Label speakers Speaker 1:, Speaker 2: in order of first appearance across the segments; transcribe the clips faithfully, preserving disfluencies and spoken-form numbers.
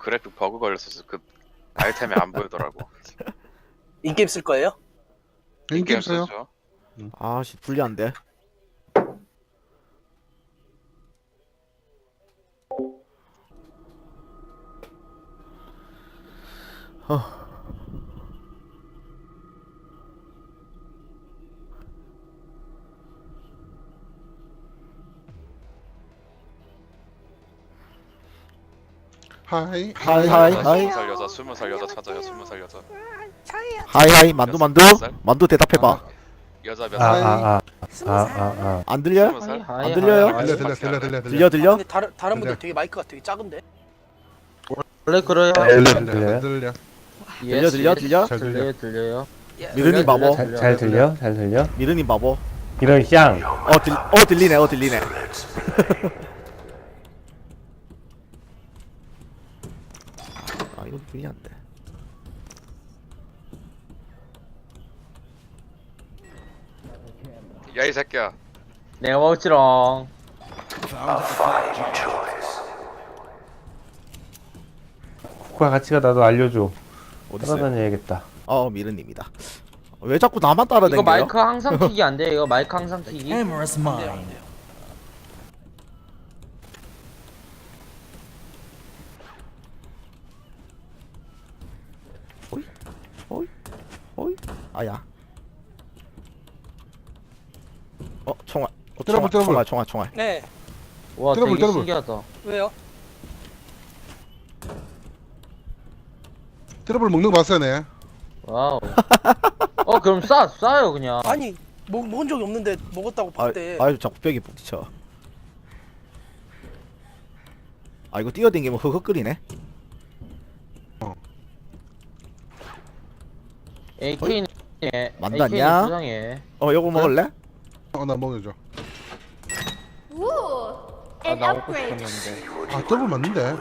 Speaker 1: 그래픽 버그 걸렸어서 그 아이템이 안 보이더라고.
Speaker 2: 인게임 쓸 거예요?
Speaker 3: 인게임 써요?
Speaker 1: 쓰죠.
Speaker 4: 아씨 불리한데. 어.
Speaker 3: 하이
Speaker 4: 하이 하이 하이
Speaker 1: 스무 살 여자, 스무 살 여자 찾아요. 스무 살 여자.
Speaker 4: 하이 하이 만두 만두 만두 대답해봐.
Speaker 1: 여자 몇
Speaker 3: 아,
Speaker 1: 살?
Speaker 3: 아,
Speaker 5: 아아아아
Speaker 4: 안 들려요?
Speaker 1: 스무 살?
Speaker 4: 안 들려요?
Speaker 3: 들려 들려 들려 들려
Speaker 4: 들려 들려?
Speaker 2: 근데 다른 다른 분들
Speaker 3: 근데-
Speaker 2: 되게 마이크가 되게 작은데.
Speaker 6: 원래 그래요.
Speaker 3: 들려
Speaker 5: 들려요?
Speaker 3: 들려 들려
Speaker 4: 들려 들려 들려?
Speaker 3: 잘 들려.
Speaker 6: 들려요 들려요.
Speaker 4: 미르님 바보.
Speaker 5: 잘, 잘 들려? 잘 들려?
Speaker 4: 미르님 바보.
Speaker 5: 이런 쌍
Speaker 4: 어 들, 어 들리네 어 들리네. 아 이거 불리한데.
Speaker 1: 야 이 새끼야.
Speaker 6: 내가 먹지롱.
Speaker 5: 국가 가치가 나도 알려줘.
Speaker 4: 어딨어요?
Speaker 5: 따라다녀야겠다.
Speaker 4: 어 미르님이다. 왜 자꾸 나만
Speaker 6: 이거
Speaker 4: 따라다녀요?
Speaker 6: 마이크 항상 키기 안 돼. 이거 마이크 항상 키기.
Speaker 2: Amorous mind.
Speaker 4: 어이 어이 어이 아야. 어 총알. 어,
Speaker 3: 들어볼,
Speaker 4: 총알
Speaker 3: 들어볼.
Speaker 4: 총알 총알 총알.
Speaker 2: 네.
Speaker 6: 와
Speaker 3: 들어볼,
Speaker 6: 되게
Speaker 3: 들어볼.
Speaker 6: 신기하다.
Speaker 2: 왜요?
Speaker 3: 트러블 먹는 거 봤어요 네.
Speaker 6: 와우. 어 그럼 싸 싸요 그냥.
Speaker 2: 아니 먹 먹은 적이 없는데 먹었다고
Speaker 4: 아,
Speaker 2: 봤대.
Speaker 4: 아유 자꾸 벽에 부딪혀. 아 이거 뛰어댕기면 흑흑거리네.
Speaker 6: 에이케이님
Speaker 4: 만났냐?
Speaker 6: 수상해.
Speaker 4: 어 요거 먹을래?
Speaker 3: 어나 먹여줘.
Speaker 7: Ooh,
Speaker 6: 아
Speaker 7: an
Speaker 6: 나 먹고
Speaker 7: upgrade.
Speaker 6: 싶었는데.
Speaker 3: 아 트러블 맞는데.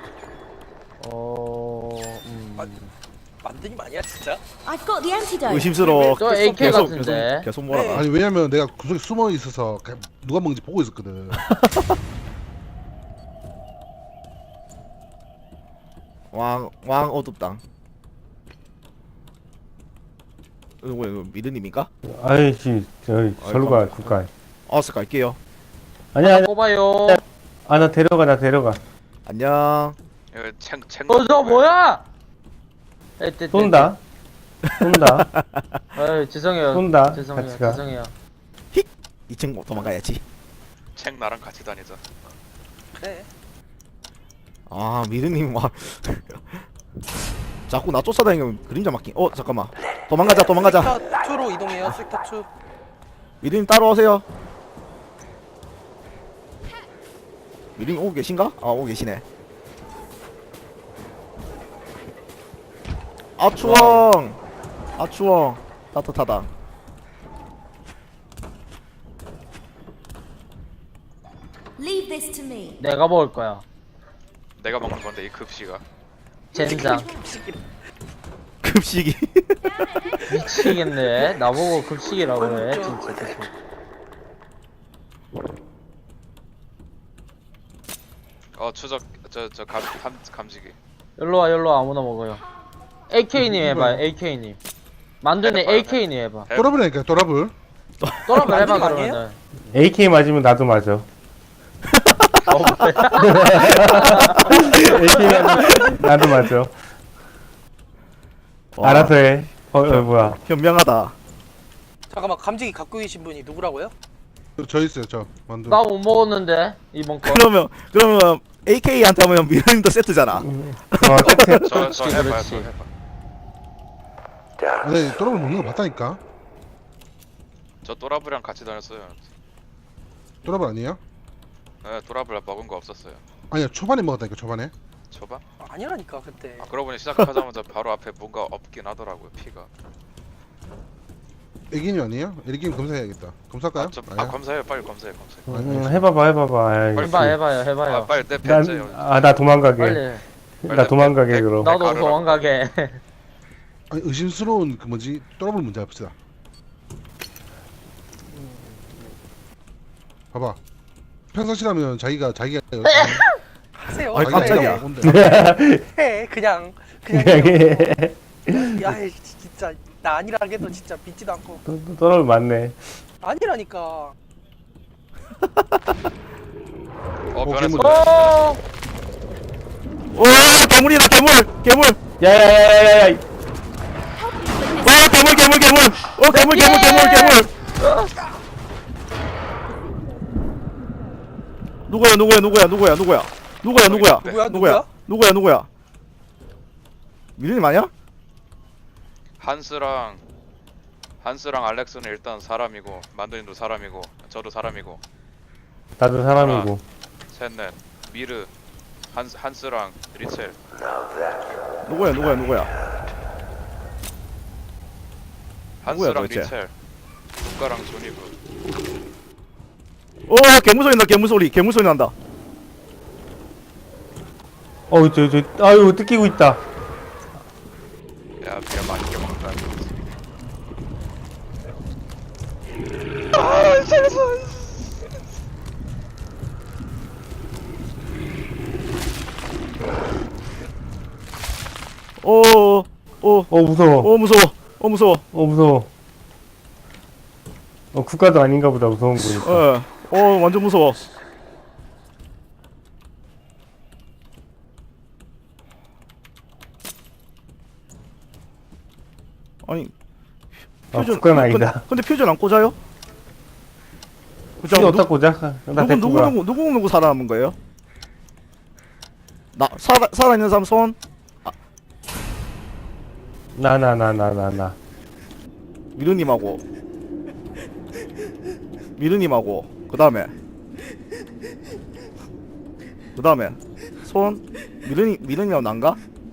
Speaker 6: 어. 음.
Speaker 2: 만드니 아니야 진짜?
Speaker 7: I've got the antidote.
Speaker 4: 의심스러워.
Speaker 6: 저 에이케이
Speaker 4: 계속
Speaker 6: 같은데.
Speaker 4: 계속 계속 몰아가.
Speaker 2: 네.
Speaker 3: 아니 왜냐면 내가 구석에 숨어 있어서 그냥 누가 먹는지 보고 있었거든.
Speaker 4: 왕왕 어둡당. 이거 뭐야 이거 미르님인가?
Speaker 5: 아이씨, 저기 절로 가, 국가.
Speaker 4: 어서 갈게요.
Speaker 5: 아니야, 아니야.
Speaker 6: 뽑아요.
Speaker 5: 아, 나 데려가, 나 데려가.
Speaker 4: 안녕.
Speaker 1: 이거 챙 챙.
Speaker 6: 어저 뭐야? 에이, 떼, 떼,
Speaker 5: 쏜다. 쏜다.
Speaker 6: 떼. 아유 죄송해요.
Speaker 5: 쏜다.
Speaker 6: 죄송해요.
Speaker 5: 같이 가.
Speaker 6: 죄송해요.
Speaker 4: 이 친구 도망가야지.
Speaker 1: 챙 나랑 같이 다니자.
Speaker 2: 그래.
Speaker 4: 아 미르님 막 자꾸 나 쫓아다니면 그림자 막힌. 어 잠깐만. 도망가자 도망가자.
Speaker 2: 섹터 이로 이동해요. 섹터 이.
Speaker 4: 미르님 따라오세요. 미르님 오고 계신가? 아 오고 계시네. 아 추워. 아 추워. 따뜻하다.
Speaker 7: Leave this to me.
Speaker 6: 내가 먹을 거야.
Speaker 1: 내가 먹는 건데 이 급식아.
Speaker 6: 젠장.
Speaker 4: 급식이.
Speaker 6: 미치겠네. 나보고 급식이라고 해. 진짜 계속.
Speaker 1: 어 추적 저저감 감 감지기.
Speaker 6: 일로 와, 일로 와. 아무나 먹어요. 에이케이님 해봐요. 에이케이님. 만두님
Speaker 1: 해봐요.
Speaker 6: 에이케이님 해봐.
Speaker 3: 트러블이니까 트러블.
Speaker 6: 또라고 해봐
Speaker 2: 만두님 아니에요?
Speaker 6: 그러면은.
Speaker 5: 에이케이 맞으면 나도 맞아.
Speaker 6: 어, 그래?
Speaker 5: 에이케이 맞으면 나도 맞아.
Speaker 4: 와,
Speaker 5: 알아서 해. 어, 어, 뭐야.
Speaker 4: 현명하다.
Speaker 2: 잠깐만 감지기 갖고 계신 분이 누구라고요?
Speaker 3: 저, 저 있어요 저 만두.
Speaker 6: 나 못 먹었는데 이번 거.
Speaker 4: 그러면 그러면 에이케이한테 하면 미르님도 세트잖아.
Speaker 5: 어, 세트.
Speaker 1: 저 저
Speaker 6: 그렇지,
Speaker 1: 해봐요.
Speaker 6: 그렇지.
Speaker 1: 저 해봐.
Speaker 3: 네 트러블 먹는 거 봤다니까.
Speaker 1: 저 또라브랑 같이 다녔어요.
Speaker 3: 트러블 아니에요?
Speaker 1: 네, 또라브랑 먹은 거 없었어요.
Speaker 3: 아니야 초반에 먹었다니까 초반에.
Speaker 1: 초반?
Speaker 2: 아니라니까 그때.
Speaker 1: 아 그러고 보니 시작하자마자 바로 앞에 뭔가 없긴 하더라고요. 피가.
Speaker 3: 애기님 아니에요? 애기님 검사해야겠다. 검사할까요?
Speaker 1: 아, 저, 아
Speaker 3: 아니야?
Speaker 1: 검사해요. 빨리 검사해 검사해.
Speaker 5: 음, 해봐봐, 해봐봐. 아이씨.
Speaker 6: 해봐 해봐요
Speaker 1: 아
Speaker 6: 해봐요.
Speaker 1: 빨리 내
Speaker 5: 난,
Speaker 1: 벤츠요.
Speaker 5: 아, 나 도망가게.
Speaker 6: 빨리.
Speaker 5: 나 도망가게,
Speaker 1: 백-
Speaker 5: 그럼.
Speaker 6: 나도
Speaker 1: 가루라고.
Speaker 6: 도망가게.
Speaker 3: 아니 의심스러운 그 뭐지 트러블 문제 해봅시다. 봐봐. 평상시라면 자기가 자기가
Speaker 2: 하세요.
Speaker 4: 아니, 깜짝이야.
Speaker 3: 뭔데?
Speaker 2: 해 그냥 그냥
Speaker 5: 그냥
Speaker 2: 해요.
Speaker 5: 해.
Speaker 2: 야 이 진짜 나 아니라 해도 진짜 믿지도 않고
Speaker 5: 또- 또 떠나면 맞네.
Speaker 2: 아니라니까.
Speaker 1: 어
Speaker 3: 어,
Speaker 1: 변했어.
Speaker 3: 괴물.
Speaker 6: 어
Speaker 4: 오 괴물이다 괴물 괴물.
Speaker 5: 야야야야야야.
Speaker 4: 와 괴물 괴물 괴물. 어 괴물 괴물 괴물 괴물. 누구야 누구야 누구야 누구야 누구야 누구야 누구야
Speaker 2: 누구야,
Speaker 4: 누구야 누구야 누구야. 미르님 아니야?
Speaker 1: 한스랑 한스랑 알렉스는 일단 사람이고 만두님도 사람이고 저도 사람이고
Speaker 5: 다들 사람이고.
Speaker 1: 셋넷 미르 한스 한스랑 리첼.
Speaker 4: 누구야 누구야 누구야. 누구야,
Speaker 1: 한스랑
Speaker 4: 도대체?
Speaker 1: 리첼. 국가랑 조니브.
Speaker 4: 어 괴물 소리 나 괴물 소리 괴물 소리 난다.
Speaker 5: 어, 저, 저, 아유, 뜯기고 있다.
Speaker 1: 야 비야 맛있게 먹는다.
Speaker 4: 오오
Speaker 5: 어, 무서워.
Speaker 4: 오 무서워 어 무서워.
Speaker 5: 어, 무서워. 어, 국가도 아닌가 보다, 무서운 거니까.
Speaker 4: 어, 어 완전 무서워. 아니
Speaker 5: 아, 국가는 아니다.
Speaker 4: 근데, 근데 퓨전 안 꽂아요?
Speaker 5: 피 어디다 꽂아? 나
Speaker 4: 누구 누구
Speaker 5: 데리고
Speaker 4: 누구 누구 누구 살아남은 거예요? 나 살아 살아 있는 사람 손.
Speaker 5: 나, 나, 나, 나, 나, 나.
Speaker 4: 미르님하고 미르님하고 그 다음에 그 다음에 손 미르님 미르님하고 난가?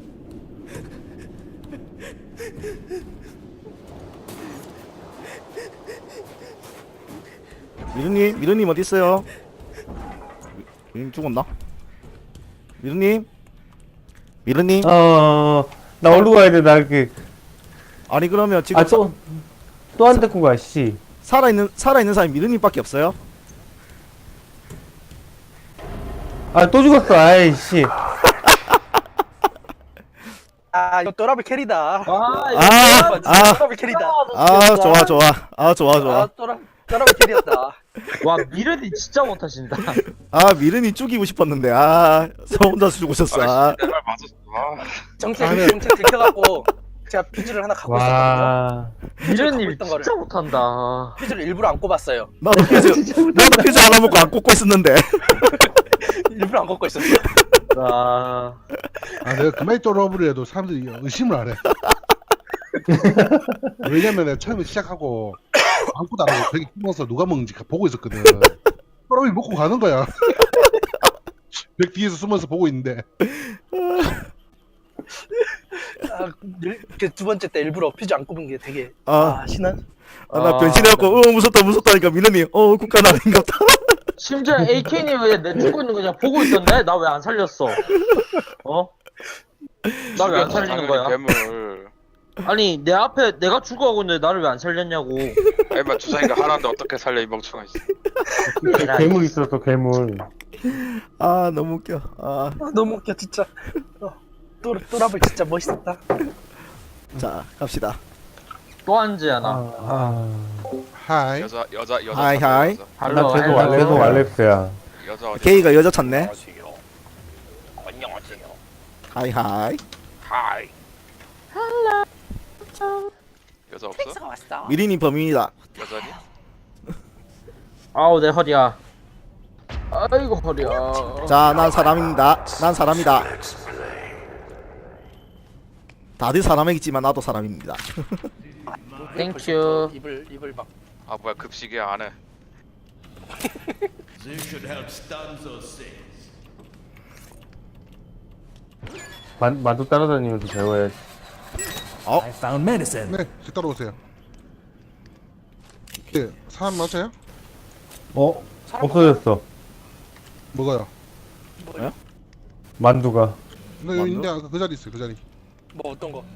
Speaker 4: 미르님 미르님 어디 있어요? 미르님 죽었나? 미르님 미르님
Speaker 5: 어, 나 어디로 가야 돼, 나 그.
Speaker 4: 아니 그러면 지금
Speaker 5: 아, 또, 또 안 데리고 가, 씨.
Speaker 4: 살아 있는 살아 있는 사람이 미르님밖에 없어요?
Speaker 5: 아, 또 죽었어, 아이씨.
Speaker 2: 아 이거 또라블 캐리다.
Speaker 6: 아, 이거
Speaker 4: 아,
Speaker 6: 뭐야,
Speaker 4: 아.
Speaker 2: 또라블 캐리다.
Speaker 4: 아 좋아 좋아 아 좋아
Speaker 2: 아
Speaker 4: 좋아
Speaker 2: 또라 또라블 캐리였다.
Speaker 6: 와 미르디 진짜 못하신다.
Speaker 4: 아 미르님 죽이고 싶었는데 아 저 혼자서 죽으셨어. 아.
Speaker 1: 내말 맞았어. 아.
Speaker 2: 정체 정체 들켜갖고 제가 퓨즈를 하나 갖고 있었거든요.
Speaker 5: 와.
Speaker 6: 미르님
Speaker 2: 있던 거를.
Speaker 6: 진짜 못한다.
Speaker 2: 퓨즈를 일부러 안 꼽았어요.
Speaker 4: 나도 퓨즈 나도 퓨즈 하나 먹고 안 꽂고 있었는데.
Speaker 2: 일부러 안 꼽고 있었어.
Speaker 6: 아,
Speaker 3: 아 내가 그만이 또러브를 해도 사람들이 의심을 안 해. 왜냐면 내가 처음에 시작하고 아무것도 안 하고 벽에 숨어서 누가 먹는지 보고 있었거든. 또러브이 먹고 가는 거야. 벽 뒤에서 숨어서 보고 있는데
Speaker 2: 아, 그 두 번째 때 일부러 퓨즈 안 꼽은 게 되게
Speaker 4: 아,
Speaker 2: 아 신한.
Speaker 4: 아, 나
Speaker 6: 아,
Speaker 4: 변신해갖고 어 무섭다 무섭다니까 미르님 어 국가는 아닌갑다.
Speaker 6: 심지어 에이케이님 왜 내 죽고 있는 거 그냥 보고 있던데? 나 왜 안 살렸어? 어? 나 왜 안 살리는 거야?
Speaker 1: 괴물.
Speaker 6: 아니 내 앞에 내가 죽어가고 있는데 나를 왜 안 살렸냐고.
Speaker 1: 에마 주사위가 하나인데 어떻게 살려 이 멍청아. 씨.
Speaker 5: 괴물 있었어, 괴물.
Speaker 4: 아 너무 웃겨. 아,
Speaker 2: 아, 너무 웃겨 진짜. 어, 또 또라블 진짜 멋있었다.
Speaker 4: 자 갑시다.
Speaker 6: 또 한지
Speaker 5: 아,
Speaker 6: 하나.
Speaker 5: 아.
Speaker 3: 하이.
Speaker 1: 여자 여자 여자.
Speaker 4: 하이,
Speaker 1: 찾아,
Speaker 4: 하이.
Speaker 1: 여자.
Speaker 5: 나
Speaker 6: 할로
Speaker 5: 계속,
Speaker 6: 할로.
Speaker 5: 알- 계속 알렉스야.
Speaker 1: 여자 어디?
Speaker 4: 게이가 여자 찾네.
Speaker 1: 안녕하세요.
Speaker 4: 하이 하이.
Speaker 1: 하이. 여자 없어?
Speaker 2: 왔어.
Speaker 4: 미리님 범인이다.
Speaker 1: 여자니?
Speaker 6: 아우 내 허리야. 아이고 허리야.
Speaker 4: 자 난 사람입니다. 난 사람이다. 다들 사람이겠지만 나도 사람입니다.
Speaker 6: 땡큐.
Speaker 2: 입을 입을 막.
Speaker 1: 아 뭐야 급식이야 안 해.
Speaker 5: 만, 만두 따라다니면서 배워야지.
Speaker 3: 네, 저 따라오세요. 네, 사람 맞아요?
Speaker 5: 어? 없어졌어.
Speaker 3: 먹어요.
Speaker 5: 만두가.
Speaker 3: 네, 여기 있는데 아까 그 자리 있어요, 그 자리.
Speaker 2: 뭐 어떤 거?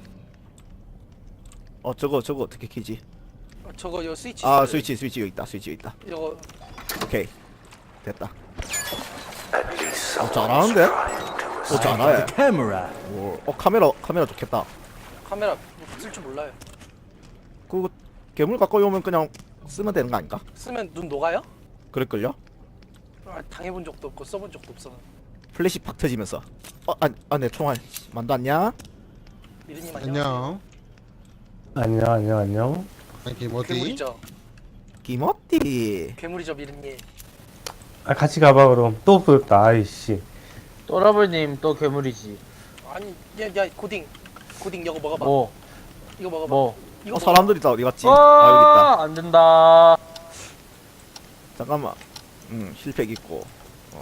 Speaker 4: 어 저거 저거 어떻게 키지?
Speaker 2: 어, 저거 요 스위치.
Speaker 4: 아
Speaker 2: 있어요.
Speaker 4: 스위치 스위치 여기 있다. 스위치 여기 있다.
Speaker 2: 이거
Speaker 4: 오케이 됐다. 어 잘하는데? 어 잘해. 오, 어 카메라 카메라 좋겠다.
Speaker 2: 카메라 쓸 줄 몰라요.
Speaker 4: 그 괴물 가까이 오면 그냥 쓰면 되는 거 아닌가?
Speaker 2: 쓰면 눈 녹아요?
Speaker 4: 그럴걸요?
Speaker 2: 아, 당해본 적도 없고 써본 적도 없어.
Speaker 4: 플래시 팍 터지면서. 어아내 총알 만두 안녕?
Speaker 2: 미르님 안녕.
Speaker 3: 안녕.
Speaker 5: 안녕, 안녕, 안녕.
Speaker 3: 이게 뭐지?
Speaker 2: 괴물이죠.
Speaker 4: 김어띠.
Speaker 2: 괴물이죠 미르님.
Speaker 5: 아, 같이 가봐, 그럼. 또 없어졌다, 아이씨.
Speaker 6: 또라블님 또 괴물이지.
Speaker 2: 아니 야야 고딩 고딩 이거 먹어봐.
Speaker 6: 뭐?
Speaker 2: 이거 먹어봐.
Speaker 6: 뭐?
Speaker 2: 이거
Speaker 4: 어
Speaker 2: 먹어봐.
Speaker 4: 사람들이 다 어디 갔지? 아 여기 있다.
Speaker 6: 아, 안 된다.
Speaker 4: 잠깐만. 음 힐팩 있고. 어.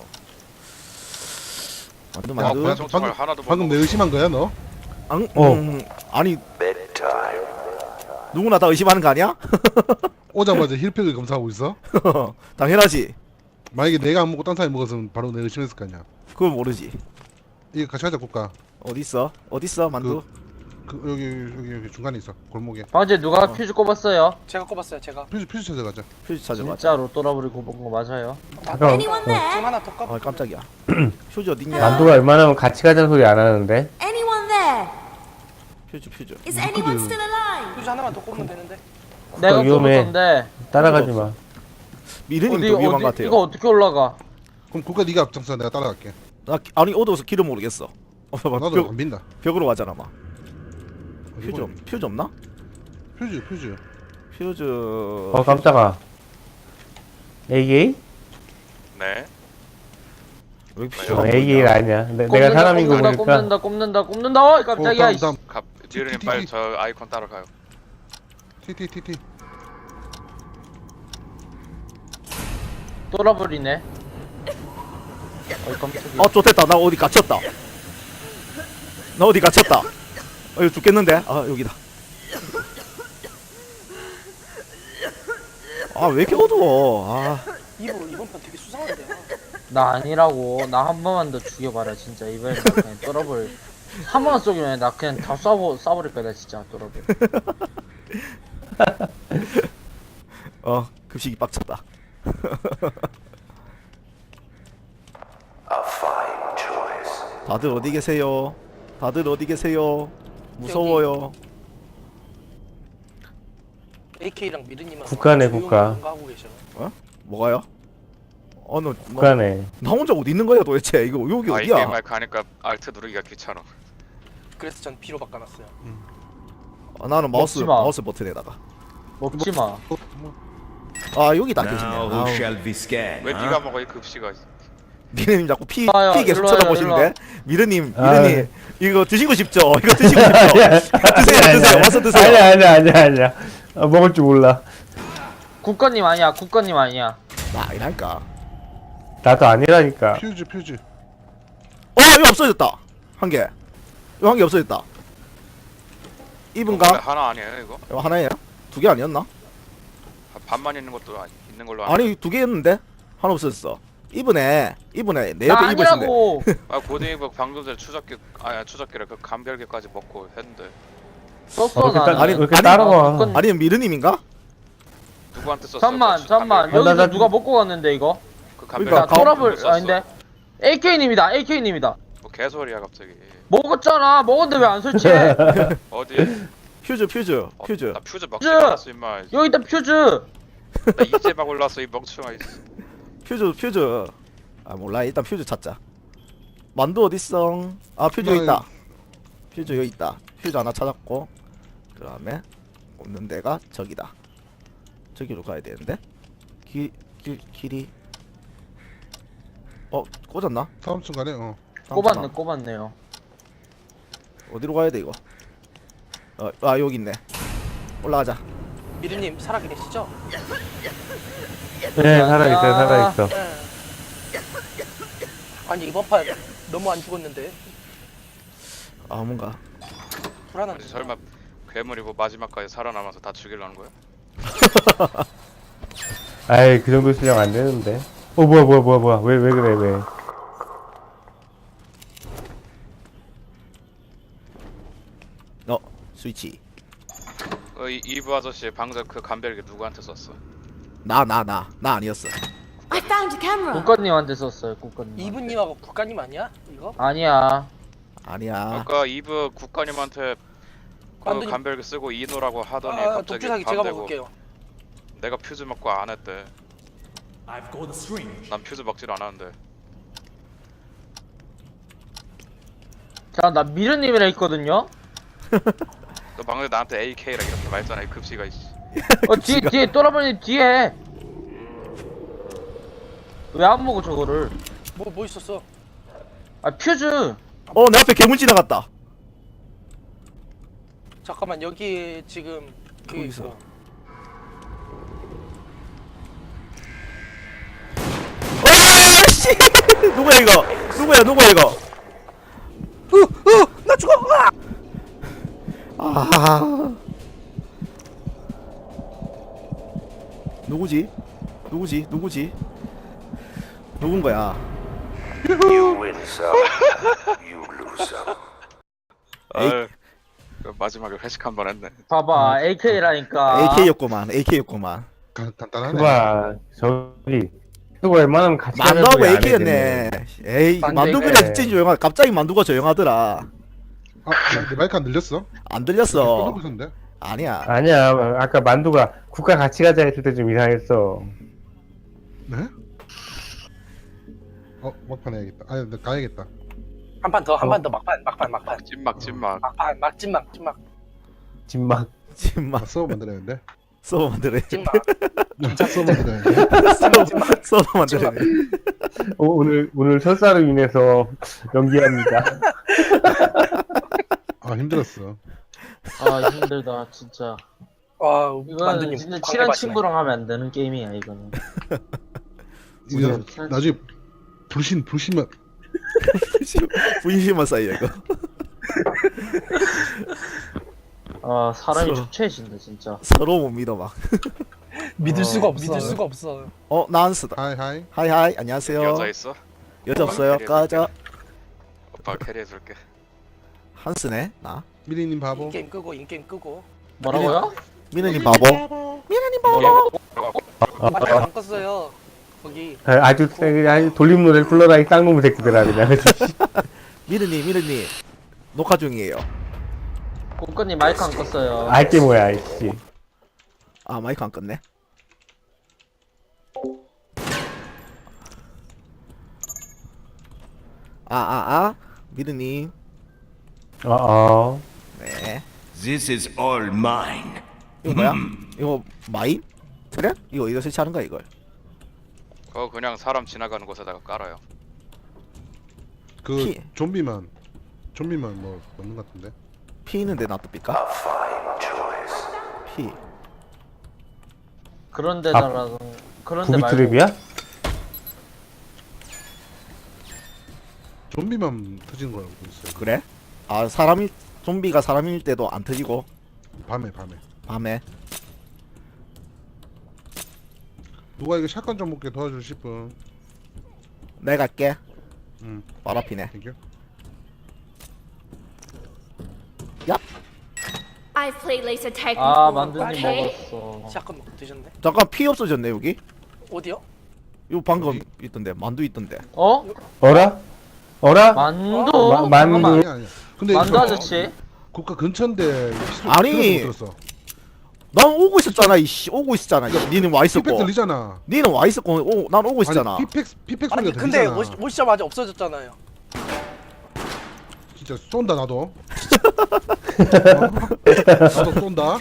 Speaker 4: 만두
Speaker 3: 야,
Speaker 4: 만두.
Speaker 3: 뭐야,
Speaker 1: 총
Speaker 3: 방금-
Speaker 1: 하나도 못
Speaker 3: 방금 내
Speaker 1: 먹었어.
Speaker 3: 의심한 거야 너?
Speaker 4: 앙,
Speaker 5: 어.
Speaker 4: 음, 아니 누구나 다 의심하는 거 아니야?
Speaker 3: 오자마자 힐팩을 검사하고 있어?
Speaker 4: 당연하지.
Speaker 3: 만약에 내가 안 먹고 딴 사람이 먹었으면 바로 내 의심했을 거 아니야.
Speaker 4: 그건 모르지.
Speaker 3: 이거 같이 가자 국가.
Speaker 4: 어디 있어? 어디 있어 만두?
Speaker 3: 그 여기 여기 여기 중간에 있어 골목에.
Speaker 6: 방금 누가 퓨즈 꼽았어요?
Speaker 2: 제가 꼽았어요 제가.
Speaker 3: 퓨즈 퓨즈 찾아가자.
Speaker 4: 퓨즈 찾아봐.
Speaker 6: 진짜로 또라블이 꼽은 거 맞아요?
Speaker 5: 잠깐만.
Speaker 7: Anyone there?
Speaker 2: 지금 하나 더 꼽.
Speaker 4: 아 깜짝이야. 퓨즈 어딨냐?
Speaker 5: 만두가 웬만하면 같이 가자는 소리 안 하는데.
Speaker 7: Anyone there?
Speaker 4: 퓨즈 퓨즈.
Speaker 7: Is anyone still alive?
Speaker 2: 휴지 하나만 더 꼽으면 되는데.
Speaker 6: 내가
Speaker 5: 위험해.
Speaker 6: 꼽았던데.
Speaker 5: 따라가지 마.
Speaker 4: 미르님
Speaker 6: 어디
Speaker 4: 도 위험한
Speaker 6: 어디
Speaker 4: 것 같아요.
Speaker 6: 이거 어떻게 올라가?
Speaker 3: 그럼 국가 네가 앞장서 내가 따라갈게.
Speaker 4: 나 기- 아니 어두워서 길을 모르겠어. 어, 봐,
Speaker 3: 나도
Speaker 4: 벽,
Speaker 3: 안 빈다.
Speaker 4: 벽으로 가잖아 막.
Speaker 3: 어디
Speaker 4: 퓨즈
Speaker 3: 보니?
Speaker 4: 없- 퓨즈 없나?
Speaker 3: 퓨즈 퓨즈.
Speaker 4: 퓨즈.
Speaker 5: 어, 깜짝아. 에이에이?
Speaker 1: 네.
Speaker 4: 왜 퓨즈?
Speaker 5: 어, 에이에이가 아니야. 내, 내가
Speaker 6: 꼽는다,
Speaker 5: 사람인 거
Speaker 6: 꼽는다,
Speaker 5: 보니까.
Speaker 6: 꼽는다 꼽는다 꼽는다. 어이 깜짝이야.
Speaker 3: 다음
Speaker 6: 이씨.
Speaker 3: 다음.
Speaker 1: 갑 디르님
Speaker 3: 티, 티,
Speaker 1: 빨리
Speaker 3: 티.
Speaker 1: 저 아이콘 따라가요.
Speaker 3: 티티티티.
Speaker 6: 또라블이네. 어이 깜짝이야.
Speaker 4: 어 좋됐다. 나 어디 갇혔다. 나 어디 갇혔다. 어 이거 죽겠는데? 아 여기다. 아 왜 이렇게 어두워? 아
Speaker 2: 이번 이번 편 되게 수상한데요.
Speaker 6: 나 아니라고. 나 한 번만 더 죽여봐라 진짜. 이번엔 나 그냥 또라블 한 번만 쏘기면 나 그냥 다 쏴버 쏴버릴 거야 나 진짜 또라블.
Speaker 4: 어 급식이 빡쳤다. 다들 어디 계세요? 다들 어디 계세요? 무서워요.
Speaker 2: 에이케이랑 미르님은
Speaker 5: 국가네,
Speaker 2: 조용히
Speaker 5: 국가.
Speaker 2: 뭔가 하고 계셔.
Speaker 4: 뭐가요? 어, 너, 너,
Speaker 5: 북한에.
Speaker 4: 나 혼자 어디 있는 거야 도대체? 이거 여기
Speaker 1: 아, 이
Speaker 4: 어디야?
Speaker 1: 게임 마이크 하니까 알트 누르기가 귀찮아.
Speaker 2: 그래서 전 B로 바꿔놨어요.
Speaker 4: 아, 나는 마우스
Speaker 6: 먹지 마.
Speaker 4: 마우스 버튼에다가.
Speaker 6: 먹지 마.
Speaker 4: 아 여기 다 계시네.
Speaker 8: Now who
Speaker 4: 아우,
Speaker 8: shall we scan?
Speaker 1: 왜
Speaker 8: huh?
Speaker 1: 네가 먹어 이 급식아.
Speaker 4: 미르님 자꾸 피,
Speaker 6: 봐요,
Speaker 4: 피 계속
Speaker 6: 일로 와요,
Speaker 4: 쳐다보시는데. 미르님,
Speaker 5: 아,
Speaker 4: 미르님 이거 드시고 싶죠? 이거 드시고 싶죠? 드세요, 드세요. 와서 드세요.
Speaker 5: 아니야, 아니야, 아니야, 아니야. 아, 먹을 줄 몰라.
Speaker 6: 국가님 아니야. 국가님 아니야.
Speaker 4: 나 아니랄까.
Speaker 5: 나도 아니라니까.
Speaker 3: 퓨즈 퓨즈.
Speaker 4: 어 이거 없어졌다. 한 개. 이거 한 개 없어졌다. 이분가?
Speaker 1: 하나 아니에요 이거?
Speaker 4: 이거 하나예요? 두 개 아니었나?
Speaker 1: 반만 있는 것도 아니, 있는 걸로 아니.
Speaker 4: 아니 두 개였는데 하나 없어졌어. 이분에 이분에 내
Speaker 6: 나
Speaker 4: 옆에 이분 있는데.
Speaker 6: 아니라고.
Speaker 1: 아 고딩이가 방금 전에 추적기 아야 추적기를 그 감별기까지 먹고 했는데
Speaker 6: 썼어
Speaker 5: 어,
Speaker 6: 나는.
Speaker 5: 따- 왜 이렇게
Speaker 4: 아니,
Speaker 5: 따라와?
Speaker 6: 국가님-
Speaker 4: 아니면 미르님인가?
Speaker 1: 누구한테 썼어?
Speaker 6: 잠만
Speaker 1: 그
Speaker 6: 잠만
Speaker 1: 감별기?
Speaker 6: 여기서
Speaker 5: 아, 나-
Speaker 6: 누가 먹고 갔는데 이거?
Speaker 1: 그
Speaker 4: 그러니까
Speaker 1: 감별기
Speaker 6: 나 토라블
Speaker 1: 누구 썼어?
Speaker 6: 아닌데 에이케이님이다 에이케이님이다.
Speaker 1: 뭐 개소리야 갑자기.
Speaker 6: 먹었잖아. 먹었는데 왜 안 설치해?
Speaker 1: 어디?
Speaker 4: 퓨즈 퓨즈
Speaker 1: 어,
Speaker 4: 퓨즈.
Speaker 1: 나 퓨즈 먹지
Speaker 6: 퓨즈!
Speaker 1: 않았어 임마.
Speaker 6: 여기다 퓨즈.
Speaker 1: 나 이제 막 올랐어 이 멍청아. 이
Speaker 4: 퓨즈 퓨즈. 아 몰라 일단 퓨즈 찾자. 만두 어딨어? 아 퓨즈 여기 있다. 퓨즈 여기 있다. 퓨즈 하나 찾았고 그다음에 없는 데가 저기다. 저기로 가야 되는데 길 길 길이 어 꽂았나?
Speaker 3: 다음 순간에 어.
Speaker 6: 꼽았네 꼽았네요.
Speaker 4: 어디로 가야 돼 이거? 어, 아 여기 있네. 올라가자.
Speaker 2: 미르님 살아 계시죠?
Speaker 5: 네, 살아있어, 살아있어.
Speaker 2: 아니 이번 판 너무 안 죽었는데
Speaker 4: 아 뭔가
Speaker 2: 불안한데.
Speaker 1: 아니, 설마 괴물이 뭐 마지막까지 살아남아서 다 죽이려는 거야?
Speaker 5: 아이, 그 정도 실력 안 되는데. 어, 뭐야, 뭐야, 뭐야, 뭐야. 왜, 왜 그래, 왜.
Speaker 4: 어 스위치.
Speaker 1: 어, 이 이브 아저씨 방금 그 감별기 누구한테 썼어?
Speaker 4: 나 나 나 나 아니었어.
Speaker 7: I found a camera.
Speaker 6: 국가님한테 썼어요. 국가님.
Speaker 2: 이분님하고 국가님 아니야? 이거?
Speaker 6: 아니야.
Speaker 4: 아니야.
Speaker 1: 아까 이브 국가님한테 그
Speaker 2: 만두님.
Speaker 1: 간별기 쓰고 이노라고 하더니
Speaker 2: 아,
Speaker 1: 갑자기
Speaker 2: 독주사기
Speaker 1: 밤
Speaker 2: 제가
Speaker 1: 되고
Speaker 2: 먹을게요.
Speaker 1: 내가 퓨즈 먹고 안 했대. 난 퓨즈 먹질 않았는데.
Speaker 6: 자, 나 미르님이라 했거든요.
Speaker 1: 너 방금 나한테 에이케이라 이렇게 말했잖아 이 급시가 이씨.
Speaker 6: 어 뒤에 뒤에 또라버니 뒤에. 왜 안 먹어 저거를?
Speaker 2: 뭐 뭐 있었어?
Speaker 6: 아 퓨즈.
Speaker 4: 어, 내 앞에 괴물 지나갔다.
Speaker 2: 잠깐만 여기 지금 그
Speaker 4: 거기서.
Speaker 2: 있어.
Speaker 4: 어, 씨. 누구야 이거? 누구야 누구야 이거?
Speaker 2: 나 죽어! 아!
Speaker 4: 아. 누구지? 누구지? 누구지? 누군 거야? 에이.
Speaker 1: 아유, 그 마지막에 회식 한 번 했네.
Speaker 6: 봐봐 에이케이라니까.
Speaker 4: 에이케이였구만. 에이케이였구만.
Speaker 3: 간, 간단하네.
Speaker 5: 그봐 저기 그거 웬만하면 같이
Speaker 4: 만두하고
Speaker 5: 하는 소리 안
Speaker 4: 에이케이였네. 에이,
Speaker 6: 만두
Speaker 4: 만두 그냥
Speaker 5: 에이케이.
Speaker 4: 진짜 조용하. 갑자기 만두가 조용하더라.
Speaker 3: 아, 내 마이크 안 들렸어?
Speaker 4: 안 들렸어.
Speaker 3: 꺼놓고 있었는데?
Speaker 4: 아니야.
Speaker 5: 아니야 아까 만두가 국가 같이 가자 했을 때 좀 이상했어.
Speaker 3: 네? 어, 막판 해야겠다. 아니, 나 가야겠다.
Speaker 2: 한 판 더, 한
Speaker 5: 어.
Speaker 2: 판 더 막판, 막판, 막판.
Speaker 1: 찐막 찐막.
Speaker 2: 막판, 막 찐막, 찐막,
Speaker 5: 진막
Speaker 4: 지금
Speaker 3: 아,
Speaker 4: 막
Speaker 3: 서버 만들어야겠는데?
Speaker 4: 서버 만들어.
Speaker 2: 찐막.
Speaker 3: 진짜 서버 만들어야겠는데?
Speaker 2: 찐막.
Speaker 4: 서버 만들어.
Speaker 5: 어, 오늘 오늘 설사로 인해서 연기합니다.
Speaker 3: 아, 힘들었어.
Speaker 6: 아 힘들다 진짜.
Speaker 2: 와,
Speaker 6: 이거는
Speaker 2: 만두님
Speaker 6: 진짜
Speaker 2: 광대
Speaker 6: 친한
Speaker 2: 맛이네.
Speaker 6: 친구랑 하면 안 되는 게임이야 이거는.
Speaker 3: 이거 나중에 불신, 불신만.
Speaker 4: 분심만 쌓여 이거.
Speaker 6: 아 사람이
Speaker 4: 서로.
Speaker 6: 초췌해진다 진짜.
Speaker 4: 서로 못 믿어 막.
Speaker 2: 믿을
Speaker 6: 어,
Speaker 2: 수가 없어.
Speaker 6: 믿을
Speaker 2: 믿을
Speaker 6: 수가
Speaker 2: 수가 없어.
Speaker 4: 어, 나한스다.
Speaker 3: 하이, 하이.
Speaker 4: 하이 하이. 안녕하세요.
Speaker 1: 여자 있어?
Speaker 4: 여자 없어요. 까자.
Speaker 1: 오빠 캐리해줄게.
Speaker 4: 한스네. 나.
Speaker 3: 미리님 바보.
Speaker 2: 인게임 끄고, 인게임 끄고.
Speaker 6: 뭐라고요?
Speaker 4: 미느님 바보. 미느님 바보.
Speaker 2: 마이크 안 껐어요. 거기.
Speaker 5: 아, 아주 아주 돌림 노래를 불러라 이 쌍놈의 새끼들아 그냥.
Speaker 4: 미느님 미느님 녹화 중이에요.
Speaker 6: 국가님 마이크 안 껐어요.
Speaker 5: 알게 뭐야 이씨.
Speaker 4: 아, 마이크 안 껐네. 아, 아, 아. 미느님.
Speaker 5: 어 어.
Speaker 4: 네.
Speaker 8: This is all mine.
Speaker 4: 이거 뭐야? 이거 마임? 그래? 이거 어디다 설치하는 거야 이걸?
Speaker 1: 그거 그냥 사람 지나가는 곳에다가 깔아요.
Speaker 3: 그,
Speaker 4: 피.
Speaker 3: 좀비만. 좀비만 뭐, 넣는 것 같은데?
Speaker 4: 피 있는데 놔둡니까? 피.
Speaker 6: 그런 데다라도 그런 데 말고.
Speaker 5: 부비트랩이야?
Speaker 3: 좀비만 터지는 거라고 알고 있어요.
Speaker 4: 그래? 아, 사람이 좀비가 사람일 때도 안 터지고
Speaker 3: 밤에, 밤에.
Speaker 4: 밤에.
Speaker 3: 누가 이거 샷건 좀 먹게 도와주실 분?
Speaker 4: 내가 갈게.
Speaker 3: 응,
Speaker 4: 바로 앞이네.
Speaker 3: 땡큐.
Speaker 7: I played laser tag
Speaker 6: 아
Speaker 7: before,
Speaker 6: 만두님
Speaker 7: okay?
Speaker 6: 먹었어.
Speaker 2: 샷건 먹고 드셨네.
Speaker 4: 잠깐 피 없어졌네 여기.
Speaker 2: 어디요?
Speaker 4: 이거 방금 있던데 만두 있던데.
Speaker 6: 어?
Speaker 5: 어라? 어라?
Speaker 6: 만두?
Speaker 5: 마- 만두.
Speaker 6: 잠깐만.
Speaker 3: 아니야, 아니야. 근데
Speaker 6: 만두
Speaker 3: 이거
Speaker 6: 아저씨?
Speaker 3: 국가 근처인데 필요-
Speaker 4: 아니.
Speaker 3: 필요도 못 들었어.
Speaker 4: 난 오고 있었잖아 이씨. 오고 있었잖아. 니는 와
Speaker 3: 피팩
Speaker 4: 있었고.
Speaker 3: 들리잖아.
Speaker 4: 니는 와 있었고 오, 난 오고 있었잖아.
Speaker 3: 아니, 피팩 피팩
Speaker 2: 아니
Speaker 3: 소리가
Speaker 2: 근데
Speaker 3: 들리잖아.
Speaker 2: 오시, 오시자마자 없어졌잖아요.
Speaker 3: 진짜 쏜다 나도. 어? 나도 쏜다.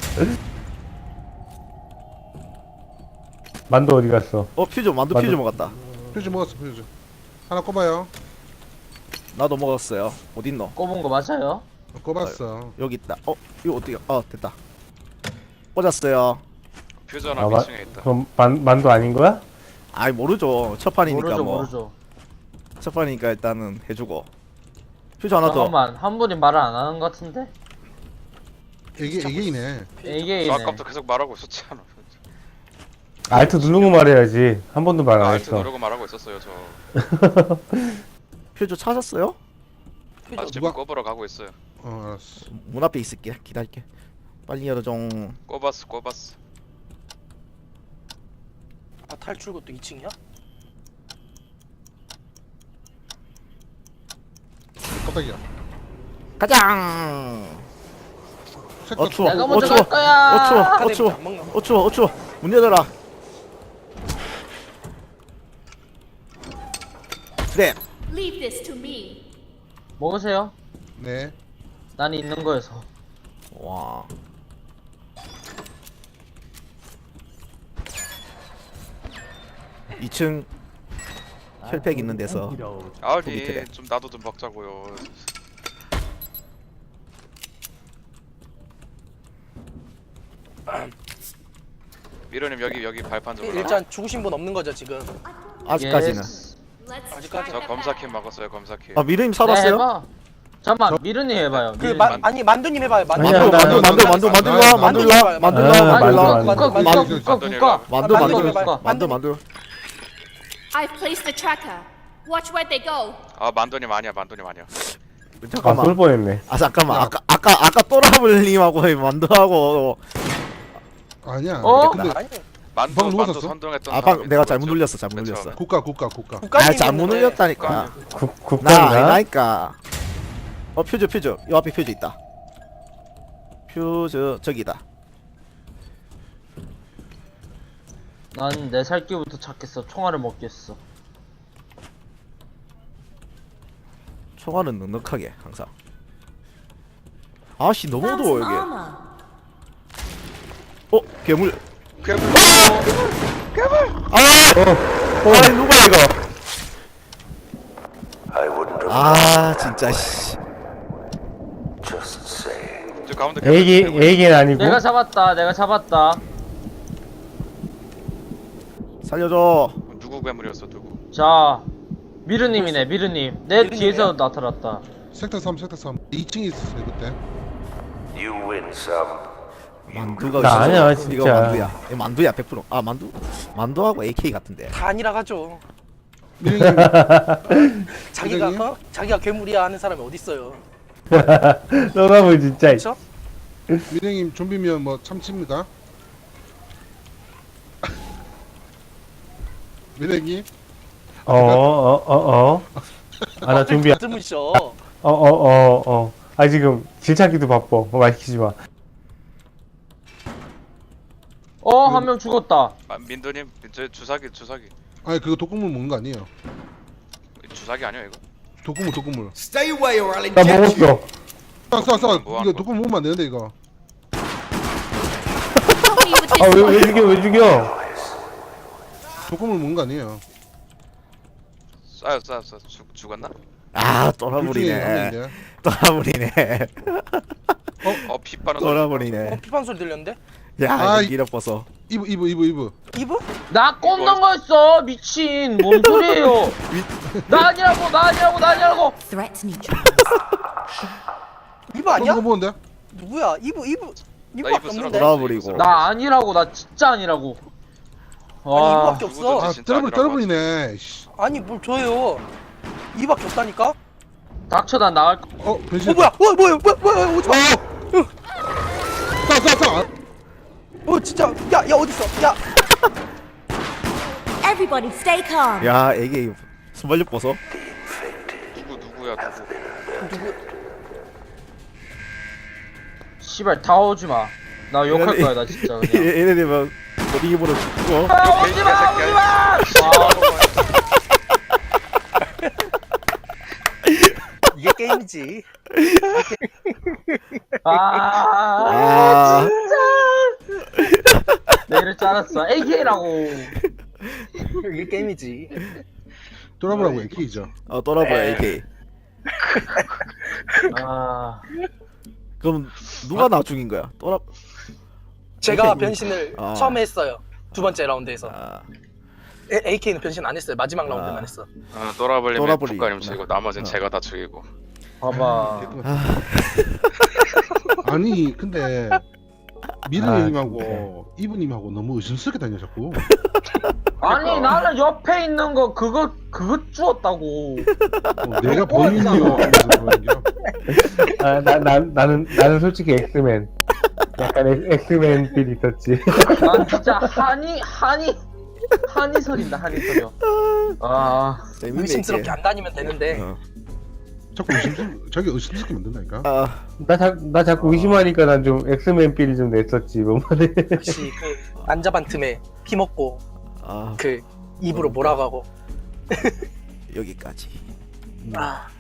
Speaker 5: 만두 어디 갔어?
Speaker 4: 어, 퓨즈 만두
Speaker 5: 만두.
Speaker 4: 퓨즈 먹었다.
Speaker 3: 퓨즈 먹었어 퓨즈. 하나 꼽아요.
Speaker 4: 나도 먹었어요. 어딨노?
Speaker 6: 꼽은 거 맞아요?
Speaker 3: 어, 꼽았어.
Speaker 4: 여기 있다. 어, 이거 어떻게? 어, 됐다. 꽂았어요.
Speaker 1: 퓨즈 하나
Speaker 5: 아, 마,
Speaker 1: 미층에 있다.
Speaker 5: 그럼 만, 만두 아닌 거야?
Speaker 4: 아이 모르죠. 첫 판이니까
Speaker 6: 모르죠
Speaker 4: 뭐.
Speaker 6: 모르죠.
Speaker 4: 첫 판이니까 일단은 해주고. 퓨즈 하나 더.
Speaker 6: 잠깐만 한 분이 말을 안 하는 것 같은데?
Speaker 3: 이게 이게이네.
Speaker 6: 이게
Speaker 1: 너
Speaker 6: 이네.
Speaker 1: 아까부터 계속 말하고 있었잖아.
Speaker 5: 알트 누르고 말해야지. 한 번도 말 안
Speaker 1: 알트
Speaker 5: 했어.
Speaker 1: 누르고 말하고 있었어요 저.
Speaker 4: 퓨즈 찾았어요?
Speaker 1: 아 지금
Speaker 3: 누가-
Speaker 1: 꼽으러 가고 있어요.
Speaker 3: 어 알았어.
Speaker 4: 문 앞에 있을게. 기다릴게. 빨리 열어줘.
Speaker 1: 꼽았어 꼽았어.
Speaker 2: 아 탈출구도 이 층이야?
Speaker 3: 깜짝이야.
Speaker 4: 가장.
Speaker 3: 색깔
Speaker 4: 어 추워.
Speaker 6: 내가
Speaker 4: 어
Speaker 6: 먼저
Speaker 4: 추워.
Speaker 6: 갈 거야.
Speaker 4: 어 추워. 어
Speaker 2: 카드
Speaker 4: 추워.
Speaker 2: 안 먹나?
Speaker 4: 어 추워. 어 추워. 문 열어라. 그래.
Speaker 7: Leave this to me.
Speaker 6: 먹으세요.
Speaker 3: 네.
Speaker 6: 난 있는 거여서.
Speaker 4: 와. 이 층 혈팩 있는 데서
Speaker 1: 아니
Speaker 4: 밑에.
Speaker 1: 좀 나도 좀 먹자고요. 미로님 여기 여기 발판 좀.
Speaker 2: 일단 죽으신 분 없는 거죠 지금?
Speaker 4: 아직까지는.
Speaker 6: 예스.
Speaker 7: Let's
Speaker 2: 아직까지.
Speaker 7: start
Speaker 1: 저
Speaker 7: the
Speaker 1: 검사킴
Speaker 7: battle.
Speaker 1: 먹었어요 검사킴.
Speaker 4: 아 미르님
Speaker 6: 네,
Speaker 4: 살았어요?
Speaker 6: 해봐. 잠깐만 미르님 해봐요.
Speaker 2: 그
Speaker 6: 미르님.
Speaker 2: 마,
Speaker 1: 만-
Speaker 2: 아니 만두님 해봐요. 만두.
Speaker 5: 아니야,
Speaker 4: 만두
Speaker 5: 나-
Speaker 4: 만두
Speaker 5: 나-
Speaker 4: 만두
Speaker 3: 나-
Speaker 4: 만두
Speaker 3: 나-
Speaker 4: 만들라
Speaker 3: 나-
Speaker 4: 만들라
Speaker 2: 나-
Speaker 4: 만들라
Speaker 5: 아,
Speaker 6: 아니
Speaker 4: 만들라
Speaker 5: 만두,
Speaker 6: 국가 국가
Speaker 5: 만두.
Speaker 6: 국가
Speaker 3: 만두.
Speaker 6: 국가 국가.
Speaker 4: 만두
Speaker 2: 만두
Speaker 4: 만두
Speaker 2: 해봐요.
Speaker 4: 만두 만두.
Speaker 7: I've placed the tracker. Watch where they go.
Speaker 1: 아 만두님 아니야 만두님 아니야.
Speaker 5: 아,
Speaker 4: 잠깐만.
Speaker 5: 쏠 뻔했네.
Speaker 4: 아 잠깐만 아까 아까 아까 또라블님하고 만두하고
Speaker 3: 아니야.
Speaker 6: 어?
Speaker 3: 근데
Speaker 2: 아니
Speaker 1: 만두
Speaker 3: 방금 누가
Speaker 1: 만두
Speaker 3: 샀어?
Speaker 1: 선동했던
Speaker 4: 아 방
Speaker 1: 사람이
Speaker 4: 내가
Speaker 1: 누구였죠?
Speaker 4: 잘못 눌렸어 잘못
Speaker 1: 맨
Speaker 4: 눌렸어.
Speaker 1: 처음에.
Speaker 3: 국가 국가 국가.
Speaker 4: 아
Speaker 2: 국가님
Speaker 4: 잘못
Speaker 2: 있는데.
Speaker 4: 눌렸다니까.
Speaker 5: 국
Speaker 4: 나
Speaker 5: 국가인가?
Speaker 4: 아니라니까. 어 퓨즈 퓨즈 요 앞에 퓨즈 있다. 퓨즈 저기다.
Speaker 6: 난 내 살기부터 찾겠어. 총알을 먹겠어.
Speaker 4: 총알은 넉넉하게 항상. 아씨 너무
Speaker 7: Found
Speaker 4: 어두워
Speaker 7: some
Speaker 4: 여기.
Speaker 7: armor.
Speaker 4: 어 괴물.
Speaker 1: 괴물.
Speaker 4: 아! 어, 아니 누가 이거? 아 진짜 씨.
Speaker 1: 저 가운데 괴물,
Speaker 5: 애기
Speaker 1: 괴물.
Speaker 5: 애기는 아니고.
Speaker 6: 내가 잡았다. 내가 잡았다.
Speaker 4: 살려줘.
Speaker 1: 누구 괴물이었어 누구?
Speaker 6: 자 미르님이네 미르님. 내
Speaker 2: 미르님이에요?
Speaker 6: 뒤에서 나타났다.
Speaker 3: 섹터 삼 섹터 삼. 이 층에 있었어요 그때.
Speaker 4: 만두가
Speaker 5: 나
Speaker 4: 있어서.
Speaker 5: 아니야,
Speaker 4: 이거
Speaker 5: 진짜.
Speaker 4: 만두야. 이거 만두야 백 퍼센트. 아 만두 만두하고 에이케이 같은데.
Speaker 2: 다 아니라 가죠.
Speaker 3: 미령님
Speaker 2: 자기가
Speaker 3: 미령님?
Speaker 2: 어? 자기가 괴물이야 하는 사람이 어디 있어요?
Speaker 5: 떠나보 진짜.
Speaker 2: 그렇죠?
Speaker 3: 미령님 좀비면 뭐 참칩니까? 미령님
Speaker 5: 어어어 어. 어. 아 나 준비야.
Speaker 2: 드무셔.
Speaker 5: 어어어 어. 아 지금 질 찾기도 바빠. 뭐 말 시키지 마.
Speaker 6: 어 한 명 죽었다.
Speaker 1: 아, 민도님 저 주사기 주사기
Speaker 3: 아니 그거 독극물 먹는 거 아니에요?
Speaker 1: 주사기 아니야 이거?
Speaker 3: 독극물 독극물.
Speaker 8: Stay away or I'll
Speaker 5: 나
Speaker 8: inject you.
Speaker 5: 먹었어.
Speaker 3: 쏴쏴쏴
Speaker 1: 뭐 하는
Speaker 3: 이거 독극물 먹으면 안 되는데 이거.
Speaker 7: Help me with this
Speaker 5: 아 왜
Speaker 7: one.
Speaker 5: 왜 죽여 왜 죽여?
Speaker 3: 독극물 먹는 거 아니에요?
Speaker 1: 쏴요 쏴요 쏴 죽 죽었나?
Speaker 4: 아
Speaker 3: 둘 중에 한
Speaker 4: 떠나버리네.
Speaker 3: 명인데.
Speaker 4: 떠나버리네.
Speaker 1: 어 피빠는
Speaker 4: 떠나버리네.
Speaker 2: 피판 소리 들렸는데?
Speaker 4: 야
Speaker 3: 아이.
Speaker 4: 이거 길어버서.
Speaker 3: 이브 이브 이브 이브.
Speaker 2: 이브?
Speaker 6: 나 꼽는 거였어. 미친. 뭔 소리예요? 나 아니라고 나 아니라고 나 아니라고.
Speaker 7: Threats neutralized.
Speaker 2: 이브 아니야?
Speaker 3: 이거 보는데?
Speaker 2: 누구야? 이브 이브
Speaker 1: 나
Speaker 2: 이브밖에
Speaker 1: 이브 쓰러
Speaker 2: 없는데?
Speaker 4: 돌아버리고.
Speaker 6: 나 아니라고 나 진짜 아니라고.
Speaker 2: 아니
Speaker 6: 와.
Speaker 2: 이브밖에 없어.
Speaker 3: 아
Speaker 1: 진짜
Speaker 3: 떨어버리
Speaker 1: 아니라고
Speaker 3: 떨어버리네. 씨.
Speaker 2: 아니 뭘 줘요? 이브밖에 없다니까?
Speaker 6: 닥쳐 난 나갈 거.
Speaker 3: 어 변신.
Speaker 2: 어 뭐야? 어 뭐야? 뭐야? 뭐야? 오지 마.
Speaker 3: 쏴쏴 쏴.
Speaker 2: 어 진짜 야야 어디 있어? 야
Speaker 7: Everybody stay calm.
Speaker 4: 야 이게 순발력 벗어.
Speaker 1: 누구 누구야 누구?
Speaker 6: 씨발 다 오지 마. 나 욕할 거야 나 진짜 그냥.
Speaker 4: 얘네들만 어디 입으로 죽고.
Speaker 6: 아, 오지 마 오지 마.
Speaker 2: 이게 게임이지.
Speaker 6: 아,
Speaker 4: 아.
Speaker 6: 아 진짜. 내 이럴 줄 알았어. 에이케이라고.
Speaker 2: 이게 게임이지.
Speaker 3: 돌아보라고 에이케이죠.
Speaker 4: 어 떠나버려 에이케이.
Speaker 6: 아.
Speaker 4: 그럼 누가 나 죽인 거야? 떠나.
Speaker 2: 제가
Speaker 4: 에이케이.
Speaker 2: 변신을
Speaker 4: 아.
Speaker 2: 처음에 했어요. 두 번째 라운드에서.
Speaker 4: 아,
Speaker 2: 에, 에이케이는 변신 안 했어요. 마지막 라운드만
Speaker 4: 아.
Speaker 2: 했어.
Speaker 1: 어, 또라블님
Speaker 4: 또라블리.
Speaker 1: 국가님 죽이고 나머지는
Speaker 4: 어.
Speaker 1: 제가 다 죽이고.
Speaker 6: 봐봐.
Speaker 3: 아니 근데
Speaker 5: 아,
Speaker 3: 미르님하고 이브님하고 너무 의심스럽게 다녀 자꾸.
Speaker 6: 아니 나는 옆에 있는 거 그거 그거 주웠다고.
Speaker 3: 어, 내가 범인이요 하면서 그러는겨.
Speaker 5: 아나 나 나는 나는 솔직히 엑스맨. 약간 엑- 엑스맨 필 있었지.
Speaker 6: 난 진짜 한이 한이 한이 서린다 한이 서려. 아
Speaker 4: 재밌네,
Speaker 2: 의심스럽게
Speaker 4: 이게.
Speaker 2: 안 다니면 되는데
Speaker 4: 어.
Speaker 3: 자꾸 의심 자기 의심스럽게 만든다니까.
Speaker 4: 아,
Speaker 5: 나, 자, 나 자꾸 의심하니까 난 좀 엑스맨 필이 좀 냈었지 뭐만에.
Speaker 2: 역시 그 난잡한 틈에 피 먹고
Speaker 4: 아
Speaker 2: 그 입으로 몰아가고.
Speaker 4: 여기까지.
Speaker 2: 아